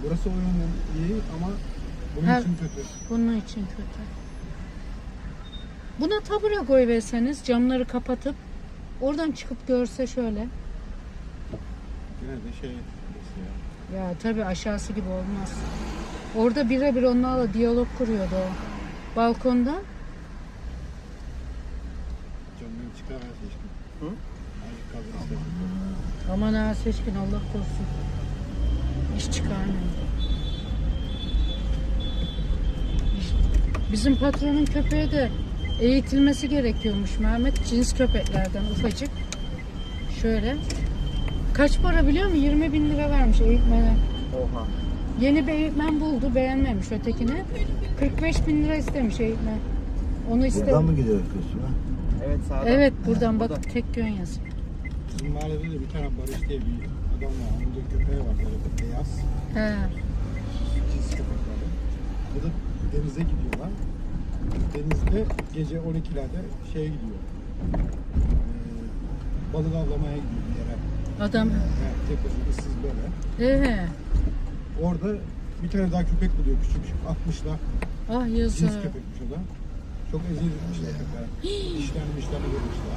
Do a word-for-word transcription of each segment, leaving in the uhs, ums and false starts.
Burası o yönden iyi ama bunun Her- için kötü. Bunun için kötü. Buna tabure koyverseniz, camları kapatıp oradan çıkıp görse şöyle. Yine de şey burası ya. Ya tabii aşağısı gibi olmaz. Orada birebir onlarla diyalog kuruyordu o. Balkonda. Camdan çıkar her seçkin. Hı? Azıcık kaldır istersen. Aman ha seçkin, Allah korusun. İş çıkarmıyor. İş- Bizim patronun köpeği de eğitilmesi gerekiyormuş Mehmet. Cins köpeklerden ufacık. Şöyle. Kaç para biliyor musun? yirmi bin lira vermiş eğitmene. Oha. Yeni bir eğitmen buldu, beğenmemiş ötekini. kırk beş bin lira istemiş eğitmen. Onu istedi. Buradan mı gidiyoruz Kuşuna? Evet sağdan. Evet, buradan Burada. bak, tek yön yazıyor. Bizim mahallede de bir tane Barış diye bir adam var. Onun da köpeği var böyle beyaz. He. Cins köpekleri. Bu da denize gidiyorlar. Denizde gece on ikilerde şeye gidiyor. Ee, balık avlamaya gidiyor bir yere. Adam. Yani tek başına ıssız böyle. Ee, Orada bir tane daha köpek buluyor küçük küçük. Atmışlar. ah Cins yazık. köpekmiş o da. Çok eziyet etmişler köpeğe. Dişlerini dişlerini vermişler.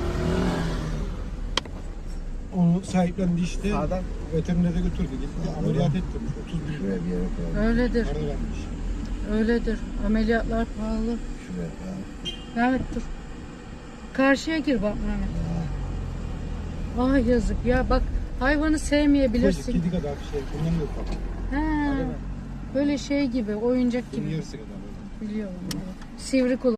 Onu sahiplendi işte. Sağdan. Veterinere götürdü. Gitti ameliyat ettirmiş. otuz bin lira Şuraya bir yere koyalım. Öyledir. para vermiş. Öyledir. Ameliyatlar pahalı. Şuraya koyalım. Mehmet dur. Karşıya gir bak Mehmet. Ah yazık ya, bak hayvanı Ufacık sevmeyebilirsin. kedi kadar bir şey. Bundan yok bak. He. Böyle şey gibi, oyuncak Bunun gibi. yarısı kadar. Biliyorum. Evet. Sivri kulak.